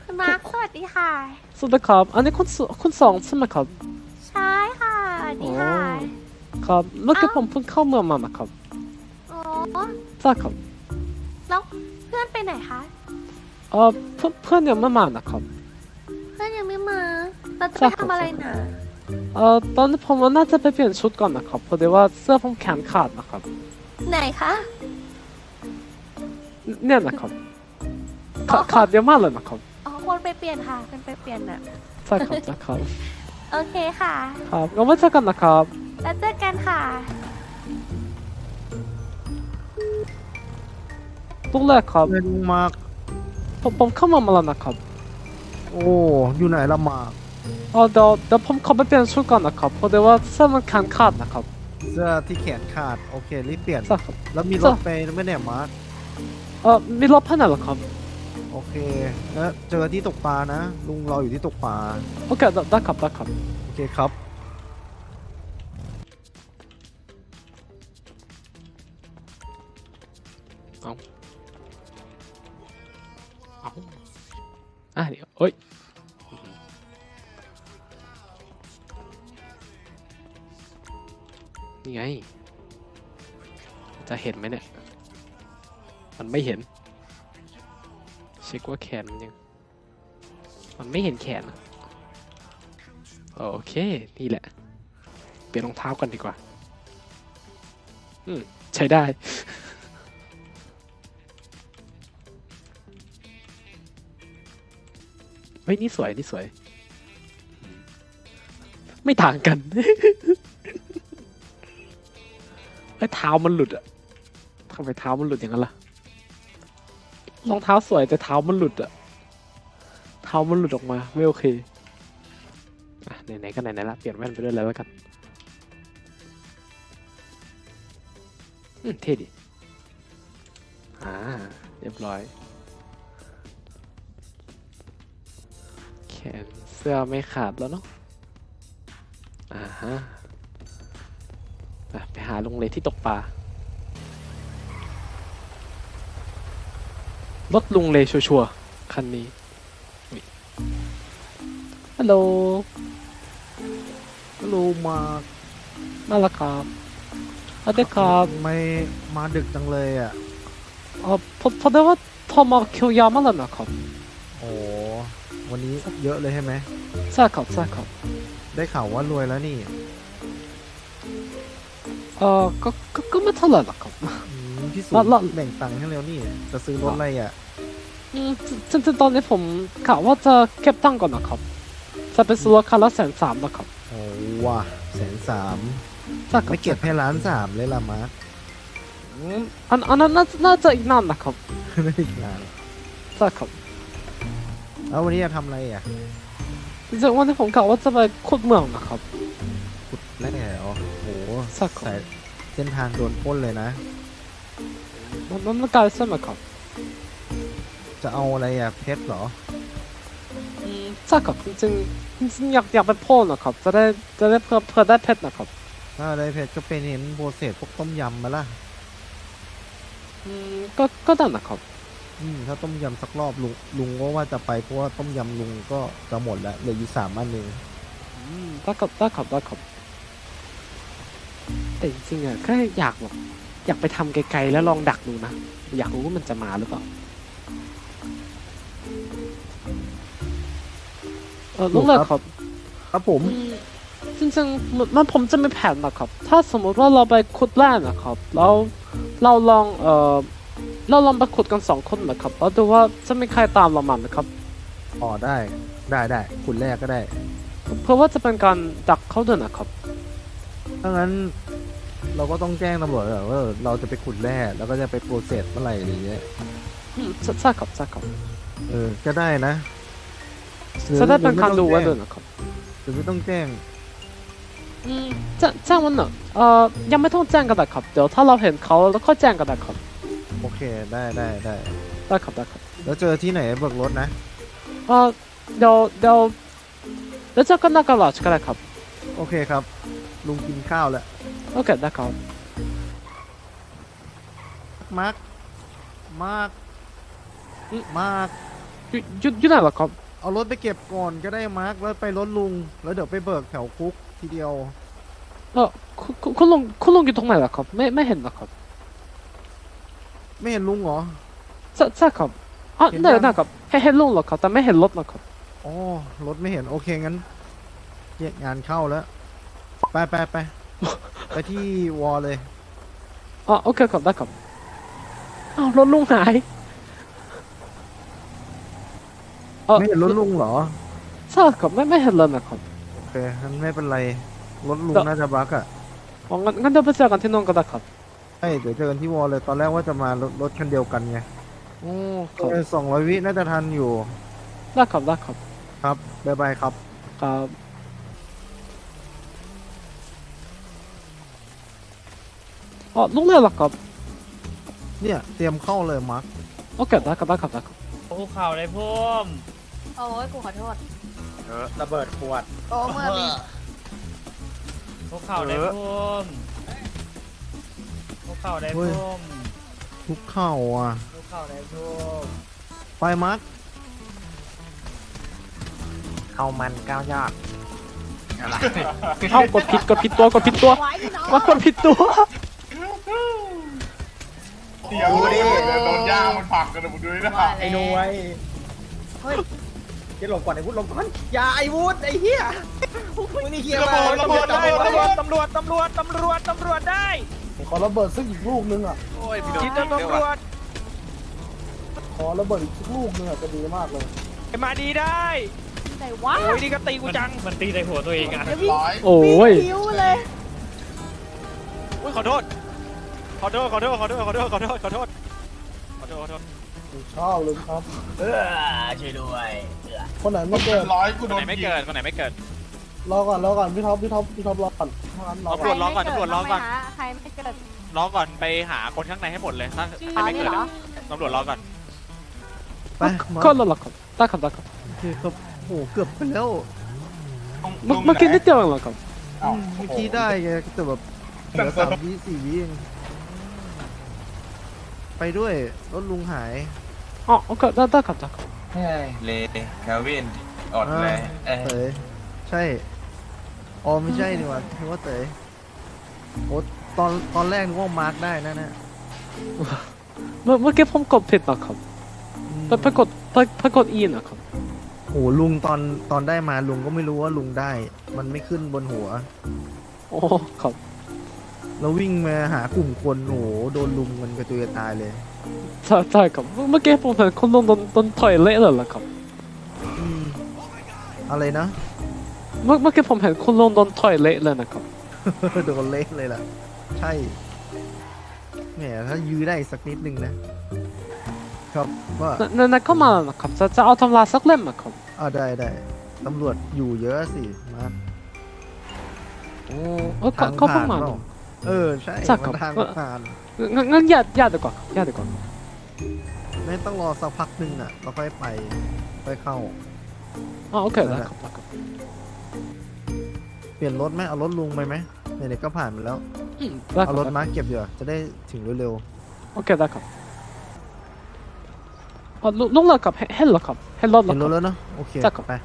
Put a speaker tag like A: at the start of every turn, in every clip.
A: คุณมาร์คสวัสดีค่ะ
B: สวัสดีครับอันนี้คุณสองใช่ไหมครับ
A: ใช่ค่ะสวัสดี
B: อ๋อ
A: ค่ะ
B: ครับเมื่อ
A: เอ้า
B: กี้ผมเพิ่งเข้าเมืองมานะครับ
A: โอ้
B: ใช่ครับ
A: แล้วเพื่อนไปไหนคะ
B: เพื่อนยังไม่มานะครับ
A: เพื่อนยังไม่มาเราจะไป
B: ใช่ครับ
A: ทำอะไร
B: ใช่ครับ
A: น่ะ
B: ตอนนี้ผมว่าน่าจะไปเปลี่ยนชุดก่อนนะครับเพราะดีว่าเสื้อผมแขนขาดนะครับ
A: ไหนคะ
B: เนี่ยนะครับ
A: อ๋อ
B: ขาดเยอะมากเลยนะครับ
A: อ๋อควรไปเปลี่ยนค่ะควรไปเปลี่ยนน่ะ
B: ใช่ครับใช่ครับ
A: โอเคค่ะ
B: ครับงั้นไว้เจอกันนะครับ
A: แล้วเจอกันค่ะ
B: ลูกแรกครับ
C: เป็นมาก
B: ผมเข้าเมืองมาแล้วนะครับ
C: โอ้อยู่ไหนละหมาก
B: เดี๋ยวผมขอไปเปลี่ยนชุดก่อนนะครับเพราะดีว่าเสื้อมันแขนขาดนะครับ
C: เสื้อที่แขนขาดโอเครีบเปลี่ยน
B: ใช่ครับ
C: แล้วมีรถไปไหม่เนี่ยมาร์ค
B: มีรถให้ไหนเหรอครับ
C: โอเคแล้วเจอที่ตกปลานะลุงรออยู่ที่ตกปลา
B: โอเคได้ครับได้ครับ
C: โอเคครับ
B: เอาเดี๋ยวเอ้ยนี่ไงจะเห็นไหมเนี่ยมันไม่เห็นเช็คว่าแขนมันไม่เห็นแขนอะโอเคนี่แหละเปลี่ยนรองเท้ากันดีกว่าใช้ได้เฮ้ยนี่สวยนี่สวยไม่ต่างกัน ไอ้เท้ามันหลุดอะทำไมเท้ามันหลุดอย่างนั้นล่ะรองเท้าสวยแต่เท้ามันหลุดอะเท้ามันหลุดออกมาไม่โอเคไหนๆก็ไหนๆละเปลี่ยนแว่นไปด้วยแล้วกันเท่ดิเรียบร้อยแขนเสื้อไม่ขาดแล้วเนาะฮะไปหาลุงเลที่ตกปลารถลุงเลชัวร์ๆคันนี้ฮัลโหล
C: ฮัลโหลมาร์ค
B: มาแล้วครับสวัสดีครับ
C: ทำไมมาดึกจังเลยอ่ะ
B: พอได้ว่าโทรมาคิวยาวมากแล้วนะครับ
C: โอ้วันนี้เยอะเลยใช่ไหม
B: ใช่ครับใช่ครับ
C: ได้ข่าวว่ารวยแล้วนี่
B: ก็ไม่เท่าไหร่หรอกครับ
C: พี่สุ
B: แล้ว
C: แบ่งตังค์ให้แล้วนี่จะซื้อรถอะไรอ่ะ
B: จริงๆตอนนี้ผมกะว่าจะเก็บตังค์ก่อนนะครับจะไปซื้อคันละ130,000นะครับ
C: โอ้ว้า130,000
B: ใช่ครับ
C: ไม่เก็บให้1,300,000เลยล่ะมาร์ค
B: อันนั้นน่าจะอีกนานนะครับ
C: ไม่ได้อีกนาน
B: ใช่ครับ
C: แล้ววันนี้จะทำอะไรอ่ะ
B: จริงๆวันนี้ผมกะว่าจะไปขุดเมืองนะครับ
C: ขุดแร่เหรอโห
B: สักครับ
C: สายเส้นทางโดนปล้นเลยนะ
B: มันไกลใช่ไหมครับ
C: จะเอาอะไรอ่ะเพชรเหรอ
B: ใช่ครับจริงอยากไปโพ่นนะครับจะได้เพื่อได้เพชรนะครับ
C: ถ้าอะไรเพชรก็เป็นเห็นโปรเซสพวกต้มยำมาล่ะ
B: ก็ได้นะครับ
C: ถ้าต้มยำสักรอบลุงก็ว่าจะไปเพราะว่าต้มยำลุงก็จะหมดแล้วเหลืออยู่3 อันเอง
B: ได้ครับแต่จริงๆอะแค่อยากไปทำไกลๆแล้วลองดักดูนะอยากรู้ว่ามันจะมาหรือเปล่าลูกเลยครับ
C: ครับผม
B: จริงๆมันผมจะมีแผนนะครับถ้าสมมติว่าเราไปขุดแร่นะครับแล้วเราลองไปขุดกัน2 คนนะครับแล้วดูว่าจะมีใครตามเรามาไหมครับ
C: อ๋อได้คุณแรกก็ได้
B: เพื่อว่าจะเป็นการดักเขาด้วยนะครับ
C: ถ้างั้นเราก็ต้องแจ้งตำรวจก่อนว่าเราจะไปขุดแร่แล้วก็จะไปโปรเซสเมื่อไหร่อะไรเงี้ย
B: ใช่ครับ
C: ก็ได้นะ
B: จะได้เป็นการดูไว้ด้วยนะครับ
C: หรือไม่ต้องแจ้ง
B: แจ้งวันหนึ่งยังไม่ต้องแจ้งก็ได้ครับเดี๋ยวถ้าเราเห็นเขาแล้วก็แจ้งก็ได้ครับ
C: โอเคได้
B: ได้ครับ
C: แล้วเจอที่ไหนเบิกรถนะ
B: เดี๋ยวเจอกันหน้ากระดาษก็ได้ครับ
C: โอเคครับ ลุงกินข้าวแล้ว
B: โอเคได้ครับ
C: มาร์ค
B: อยู่ไหนเหรอครับ
C: เอารถไปเก็บก่อนก็ได้มาร์คแล้วไปรถลุง แล้วเดี๋ยวไปเบิกแถวคุกทีเดียว
B: เออคุณลุงอยู่ตรงไหนเหรอครับไม่เห็นเหรอครับ
C: ไม่เห็นลุงเหรอ
B: ใช่ครับอ๋อ
C: เห็น
B: ได้
C: ยัง
B: ได้ครับเห็นลุงเหรอครับแต่ไม่เห็นรถนะครับ
C: อ๋อ รถไม่เห็น โอเค งั้นแยกงานเข้าแล้ว ไปไปที่วอลเลย
B: อ๋อโอเคครับได้ครับอ้าวรถลุงหายเออ
C: ไม่เห็นรถลุงเหรอ
B: ใช่ครับไม่เห็นเลยนะครับ
C: โอเคงั้นไม่เป็นไร รถลุง
B: เดี๋ยว
C: น่าจะบั๊กอ่ะ
B: อ๋องั้นเดี๋ยวไปเจอกันที่นู่นก็ได้ครับ
C: ใช่เดี๋ยวเจอกันที่วอลเลย ตอนแรกว่าจะมารถคันเดียวกันไง
B: โอ้ครับ
C: 200 วิน่าจะทันอยู่
B: ได้ครับได้ครับ
C: ครับบ๊ายบายครับ
B: ครับอ๋อลุงเลยเหรอครับ
C: เนี่ยเตรียมเข้าเลยมาร์ค
B: โอเคได้ครับได้ครับได้ครับ
D: ภูเขาเลยพุ่ม
A: โอ้ยกูขอโทษ
E: ระเบิดขวด
A: โอ้เมื่อมี
D: ภูเขาเลยพุ่มภูเขาเลยพุ่ม
C: ทุกเข้าอ่ะ
D: ภูเขาเลยพุ่ม
C: ไปมาร์ค
E: เข้ามันก้าวยอด
B: เอ้ากดผิดตัวกดผิดตัว
A: ไว้พี่น้อง
B: ว่ากดผิดตัว
F: เสียงเลยโดนย่ามันผลักกันนะมึงดูดินะ
E: ไอ้หน่วยเฮ้ยจะหลบก่อนไอ้วุฒิหลบก่อนอย่าไอ้วุฒิไอ้เหี้ยมึงนี่เหี้ย
F: ระเบิดระเบิดระเบิดระเบิด
D: ตำรวจได้
C: ขอระเบิดสักอีกลูกนึงอ่ะ
F: โอ้ยพี่โดน
D: จิตตำรวจ
C: ขอระเบิดอีกสักลูกนึงอ่ะจะดีมากเลย
D: มาดีได้
A: ไหนวะ
D: โอ้ยนี่ก็ตีกูจังมันตีในหัวตัวเองอ่ะ
A: เดี๋ยววิ่ง
F: ร้อย
B: โอ้ย
A: คิ้วเลย
D: อุ้ยขอโทษขอโทษ
C: ชอบเลยครับ
E: ช่วยด้วย
C: คนไหนไม่เกิด
F: ร้อยกูโดน
D: คนไหนไม่เกิด
C: รอก่อนพี่ท็อปรอก่อน
D: ตำรวจร้องก่อนตำรวจร้องก่อน
A: ใครไม่เกิด
D: ร้องก่อนไปหาคนข้างในให้หมดเลยถ้า
A: อ๋อ
D: ไม่
A: นี่
D: เกิด
A: เหรอ
D: ตำรวจร้องก่อน
C: ไปมา
B: ก็แล้วเหรอครับได้ครับได้ครับ
C: โอเคครับโอ้เกือบไปแล้ว
B: เมื่อกี้นิดเดียวเองเหรอครับ
C: เมื่อกี้ได้ไงแต่แบบเหลือ3 วิ 4 วิเองไปด้วยรถลุงหาย
B: อ๋อโอเคได้ครับได้ครับ
G: เฮ้ยเลคาวินอดเลย
C: เต๋ยใช่อ๋อไม่ใช่นี่หว่านึกว่าเต๋ยโอ้ตอนแรกนึกว่ามาร์คได้นะเนี่ย
B: เมื่อกี้ผมกดผิดนะครับไปกด E นะครับ
C: โอ้ลุงตอนได้มาลุงก็ไม่รู้ว่าลุงได้ มันไม่ขึ้นบนหัว
B: โอ้ครับ
C: แล้ววิ่งมาหากลุ่มคนโอ้โหโดนลุมมันกระจุยกระจายเลย
B: ใช่ครับเมื่อกี้ผมเห็นคนลงโดนต่อยเละเลยเหรอครับ
C: อืมอะไรนะ
B: เมื่อกี้ผมเห็นคนลงโดนต่อยเละเลยนะครับ
C: โดนเละเลยล่ะ ใช่แหมถ้ายื้อได้อีกสักนิดนึงนะ ครับว่า
B: นั่นก็มาแล้วนะครับจะเอาตำราสักเล่มนะครับ
C: ได้ตำรวจอยู่เยอะสิมา
B: โอ้ก็เพิ่งมา
C: เปล่ใช่
B: ใช่ครับ
C: มันทางผ่าน
B: งั้นญาติดีกว่าครับญาติดีกว่า
C: ไม่ต้องรอสักพักหนึงอ่ะเราค่อยไปค่อยเข้า
B: อ๋อโอเคได้ครับได้ครับ
C: เปลี่ยนรถไหมเอารถลุงไปไหมไหนๆก็ผ่านมาแล้ว
B: ได้ค
C: เอา
B: รับ
C: รถมาเก็บเดี๋ยวจะได้ถึงเร็ว
B: โอเคได้ครับอ๋อลุงเหรอครับเห็นเหรอครับเห็นรถ
C: ๆ
B: เหรอ
C: เห็น
B: ค
C: ร
B: รับ
C: ถแล้วเนาะโอเค
B: ได้ครับ
C: ไป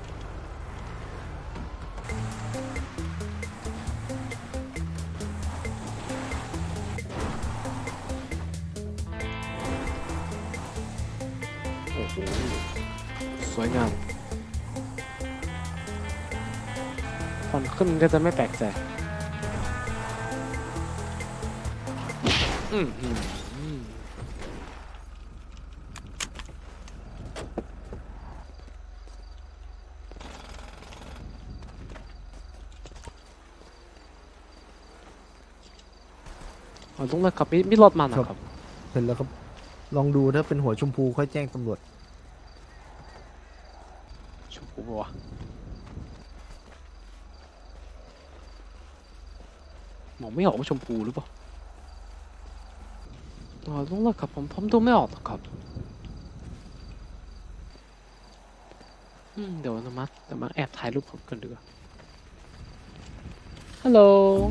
B: โอ้โหสวยงามควันขึ้นก็จะไม่แปลกใจอืมอ๋อลุงเลยครับมีรถมานะครับ
C: เห็นแล้วครับลองดูถ้าเป็นหัวชมพูค่อยแจ้งตำรวจ
B: ชมพูปะวะมองไม่ออกว่าชมพูหรือเปล่าอ๋อลุงเลยครับผมดูไม่ออกหรอกครับเดี๋ยวนะเดี๋ยวมาแอบถ่ายรูปผมกันดีกว่าฮัลโหล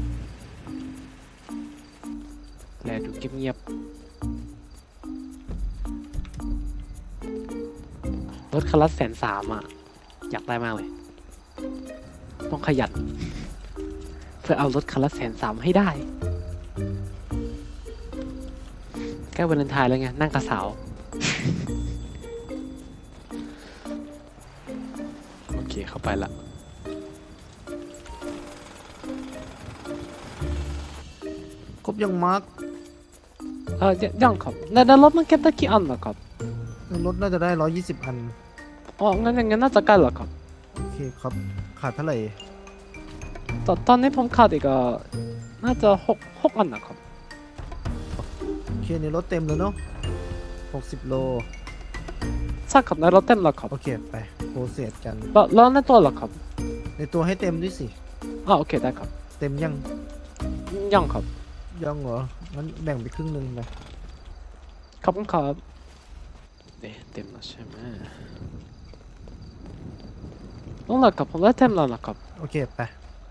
B: แลดูเงียบๆถคันละ130,000อ่ะอยากได้มากเลย ต้องขยันเพื่อเอารถคันละ130,000ให้ได้ใกล้วาเลนไทน์แล้วไงนั่งกับสาว โอเคเข้าไปละ
C: ครบยังมาร์ก
B: ยังครับในรถมันเก็บได้กี่อันนะครับ
C: รถน่าจะได้120 อัน
B: อ๋องั้นน่าจะใกล้แล้วครับ
C: โอเคครับ ขาดเท่าไหร่
B: ตอนนี้ผมขาดอีกน่าจะ6อันนะครับ
C: โอเคในรถเต็มแล้วเนาะ60 โล
B: ใช่ครับในรถเต็มแล้วครับ
C: โอเค ไปโปรเซสกัน
B: แล้วในตัวเหรอครับ
C: ในตัวให้เต็มด้วยสิ
B: โอเคได้ครับ
C: เต็มยัง
B: ยังครับ
C: ยังเหรอ งั้นแบ่งไปครึ่งหนึงไป
B: ขอบคุณครับเนี่ยเต็มแล้วใช่ไหมต้องหลักครับผมได้เต็มแล้วนะครับ
C: โอเค ไป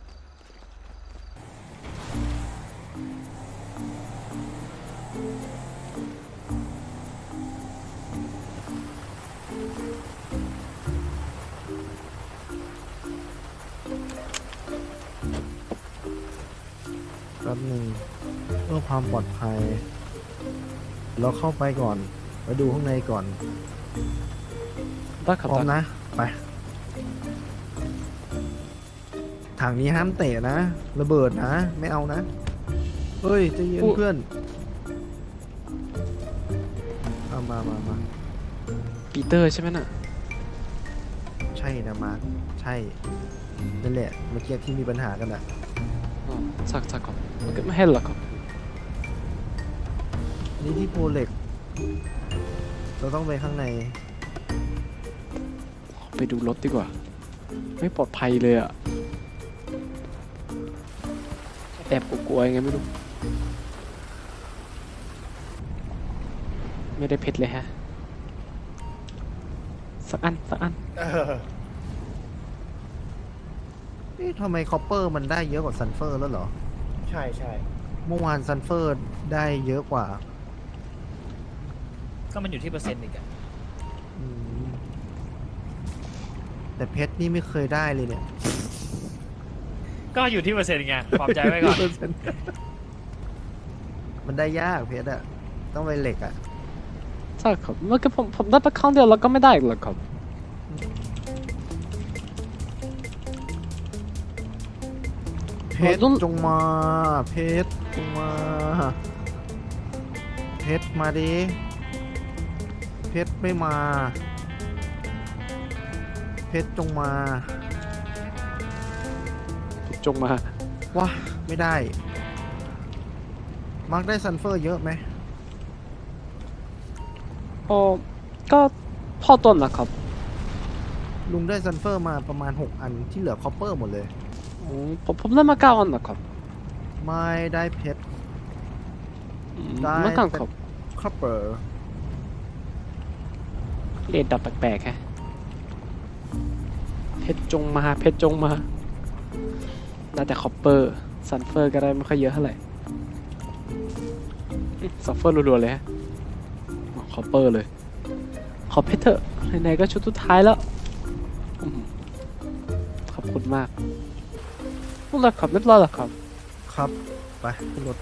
C: แป๊บหนึ่งเพื่อความปลอดภัย เราเข้าไปก่อน ไปดูข้างในก่อน
B: ได้ครับ
C: พร้อม
B: ได้
C: นะ ไป ถังนี้ห้ามเตะนะ ระเบิดนะ ไม่เอานะ เฮ้ยใจะเย็นเพื่อนเอามา
B: ปีเตอร์ใช่ไหมน่ะ
C: ใช่นะมาร์คใช่ นั่นแหละ เมื่อกี้ที่มีปัญหากันอะ
B: อ๋อสักครับมันก็ไม่ให้หรอกครับ
C: อันนี้ที่โพเล็ก เราต้องไปข้างใน
B: ไปดูรถดีกว่า ไม่ปลอดภัยเลยอะแอบกลัวๆยังไงไม่รู้ ไม่ได้เพชรเลยฮะ สักอัน
C: เอ๊ะทำไมคอปเปอร์มันได้เยอะกว่าซันเฟอร์แล้วเหรอ
E: ใช่ใช่
C: เมื่อวานซันเฟอร์ได้เยอะกว่า
D: ก็มันอยู่ที่เปอร์เซ็นต์อีกอะ
C: อืมแต่เพชรนี่ไม่เคยได้เลยเนี่ย
D: ก็อยู่ที่เปอร์เซ็นต์ไงปลอบใจไว้ก่อน
C: มันได้ยากเพชรอะต้องไปเหล็กอะ
B: ใช่ครับเมื่อกี้ผมได้ไปครั้งเดียวแล้วก็ไม่ได้อีกแล้วครับ
C: เพชรจงมา เพชรจงมา เพชรมาดิ เพชรไม่มา เพชรจงมา
B: จงมา
C: ว้าไม่ได้ มาร์กได้ซันเฟอร์เยอะไหม
B: ก็พอต้นนะครับ
C: ลุงได้ซันเฟอร์มาประมาณ 6 อันที่เหลือคอปเปอร์หมดเลย
B: ผมได้มา9 อันนะครับ
C: ไม่ได้เพชร ได้
B: เมื่อกันครับ
C: คอปเปอร์
B: เรทดับแปลกๆแฮะเพชรจงมาได้แต่คอปเปอร์ซันเฟอร์ก็ได้ไม่ค่อยเยอะเท่าไหร่ซันเฟอร์รัวๆเลยฮะคอปเปอร์เลย ขอเพชรเถอะไหนๆก็ชุดสุดท้ายแล้วขอบคุณมากพวกเราขับเรียบร้อยแล้วครับ
C: ครับ ไปขึ้นรถ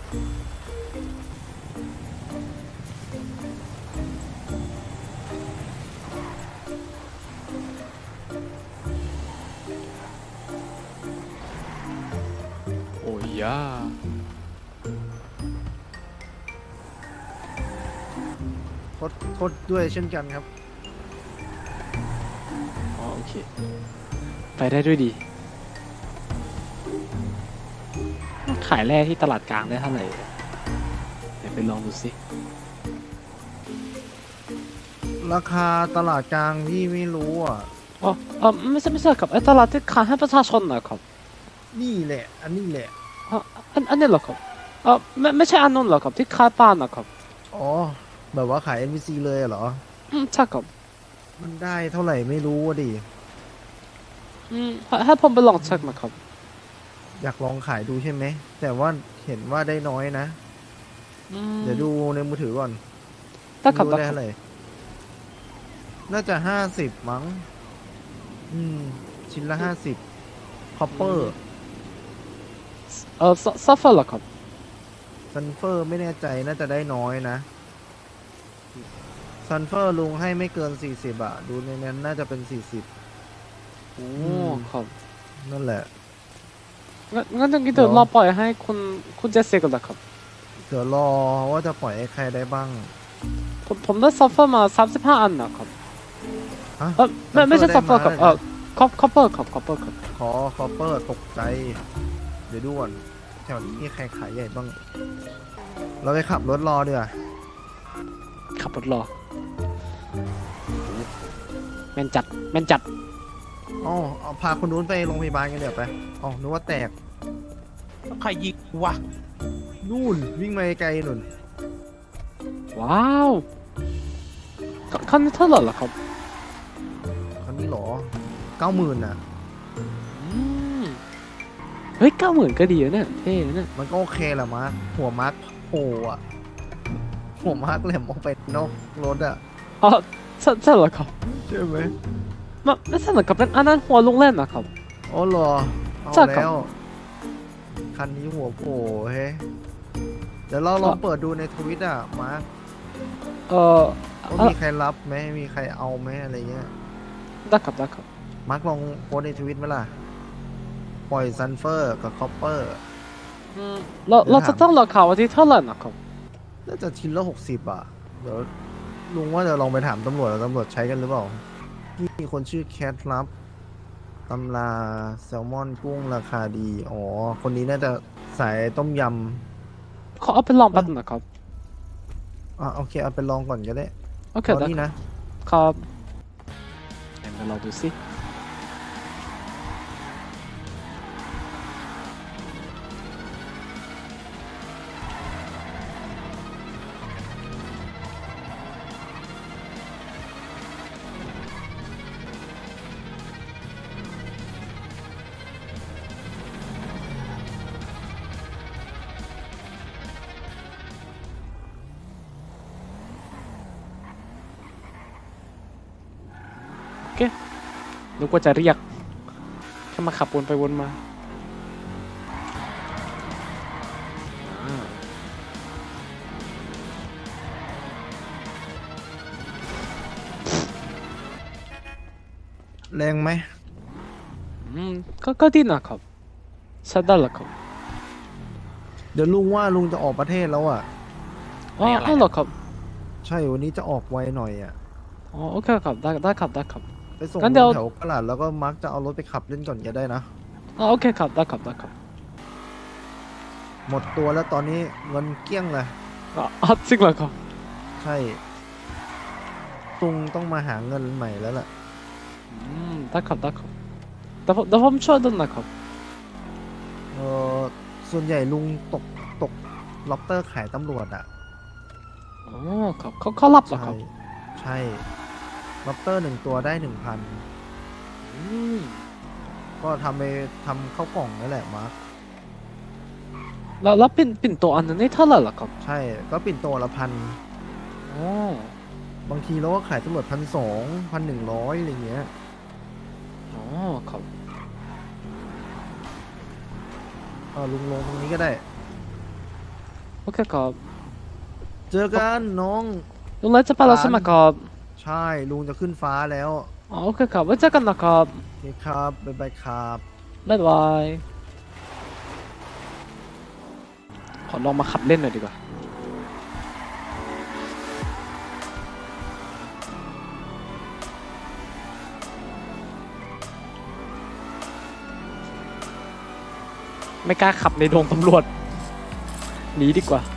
B: โอ้ยยา
C: โทษด้วยเช่นกันครับ
B: อ๋อโอเค ไปได้ด้วยดี ขายแร่ที่ตลาดกลางได้เท่าไหร่เดี๋ยวไปลองดูสิ
C: ราคาตลาดกลางพี่ไม่รู้อ่ะ
B: อ๋อไม่ใช่ครับไอ้ตลาดที่ขายให้ประชาชนนะครับ
C: นี่แหละ อันนี้แหละ
B: อ๋ออันนี้เหรอครับไม่ใช่อันนู้นเหรอครับที่ขายปลานะครับ
C: อ๋อ แบบว่าขาย NPC เลยเหรอ
B: ใช่ครับ
C: มันได้เท่าไหร่ไม่รู้อ่ะดิ
B: ให้ผมไปลองเช็คนะครับ
C: อยากลองขายดูใช่ไหม แต่ว่าเห็นว่าได้น้อยนะ เดี๋ยวดูในมือถือก่อน
B: ได้ครับ
C: ดู
B: ได้
C: ได้
B: ครับ
C: เท่าไหร่น่าจะ50มั้งชิ้นละ50คอปเปอร์
B: ซัฟเฟอร์เหรอครับ
C: ซันเฟอร์ไม่แน่ใจน่าจะได้น้อยนะซันเฟอร์ลุงให้ไม่เกิน40อะดูในนั้นน่าจะเป็น40
B: โอ้ครับ
C: นั่นแหละ
B: งั้นอย่างนี้เดี๋ยวรอปล่อยให้คุณเจสซี่ก่อนนะครับ
C: เดี๋ยวรอว่าจะปล่อยให้ใครได้บ้าง
B: ผมได้ซัฟเฟอร์มา35อันนะครับ
C: ฮะ
B: ไม่ใช่ซัฟเฟอร์ครับ
C: ได้มา
B: คอปเปอร์ครับคอปเปอร์ครับ
C: ขอคอปเปอร์ตกใจ เดี๋ยวดูก่อนแถวนี้มีใครขายใหญ่บ้าง เราไปขับรถรอดีกว่า
B: ขับรถรอแม่นจัดแม่นจัด
C: อ๋อเอาพาคนนู้นไปโรงพยาบาลกันเดี๋ยวไปอ๋อนึกว่าแตก
G: ใครยิงวะ
C: นู่นวิ่งมาไกลๆนู่น
B: ว้าวคันนี้เท่าไหร่ล่ะครับ
C: คันนี้เหรอ 90,000น่ะ
B: เฮ้ย90,000ก็ดีนะเนี่ยเท่นะเนี่ย
C: มันก็โอเคแหละมาร์คหัวมาร์คโผล่อะหัวมาร์คแหลมออกไปนอกรถอะ
B: อ๋อใช่เหรอครับ
C: ใช่ไหม
B: ไม่ใช่เหรอครับเป็นอันนั้นหัวลุงเล่นนะครับ
C: อ๋อเหรอเอา
B: ใช่ครับ
C: แล้ว คันนี้หัวโผล่เฮ้ยเดี๋ยวเราลองเปิดดูในทวิตอะมาร์คว่ามีใครรับไหมมีใครเอาไหมอะไรเงี้ย
B: ได้ครับได้ครับ
C: มาร์คลองโพสต์ในทวิตไหมล่ะ ปล่อยซันเฟอร์กับคอปเปอร์
B: เราจะต้องราคาวันที่เท่าไหร่นะครับ
C: น่าจะชิ้นละ60อ่ะ เดี๋ยวลุงว่าจะลองไปถามตำรวจแล้วตำรวจใช้กันหรือเปล่านี่มีคนชื่อแคทรับตำราแซลมอนกุ้งราคาดี อ๋อ คนนี้น่าจะสายต้มย
B: ขอเอาไปลองแป๊บนึงนะครับ
C: ำโอเค เอาไปลองก่อนก็ได้
B: โอเค
C: ตอน
B: ได้
C: นี้
B: ครับ
C: นะครับ
B: เดี๋ยวเราดูสินึกว่าจะเรียกแค่มาขับวนไปวนมาอ่า
C: แรงไหม
B: ก็ดีนะครับใช้ได้แล้วครับ
C: เดี๋ยวลุงว่าลุงจะออกประเทศแล้วอ่ะ
B: อ๋อเหรอครับ
C: ใช่วันนี้จะออกไวหน่อยอ่ะ
B: อ๋อโอเคครับได้ครับได้ครับ
C: ไปส่ง
B: งั้นเดี๋ยว
C: แถวกระดาษแล้วก็มาร์คจะเอารถไปขับเล่นก่อนก็ได้นะ
B: อ๋อโอเคครับได้ครับได้ครับ
C: หมดตัวแล้วตอนนี้เงินเกลี้ยงเลย
B: อ๋อจริงเหรอครับ
C: ใช่ตุงต้องมาหาเงินใหม่แล้วล่ะ
B: ได้ครับได้ครับแต่ผมช่วยดูนะครับ
C: เออส่วนใหญ่ลุงตกล็อบเตอร์ขายตำรวจอ่ะ
B: อ๋อครับเขารับเหรอค
C: ใช่
B: รับ
C: ใช่ล็อบเตอร์1 ตัวได้ 1,000
B: อืม
C: ก็ทำเข้าวกล่องนั่นแหละมาร์ค
B: แล้วปิ่นโตอันนั้นนี่เท่าไหร่ล่ะครับ
C: ใช่ก็ปิ่นโตละ1,000
B: อ๋อบ
C: างทีเราก็ขายตำรวจ1,200 1,100อะไรเงี้ย
B: อ๋อครับ
C: ลุงลงตรงนี้ก็ได้
B: โอเคครับ
C: เจอกันน้อง
B: ลุงเลยจะไปแล้วใช่ไหมครับ
C: ใช่ลุงจะขึ้นฟ้าแล้ว
B: อ๋อโอเคครับไว้เจอกันนะครับ
C: โอเคครับบ๊ายบายครับ
B: บ๊ายบายขอลองมาขับเล่นหน่อยดีกว่าไม่กล้าขับในโดงตำรวจหนีดีกว่า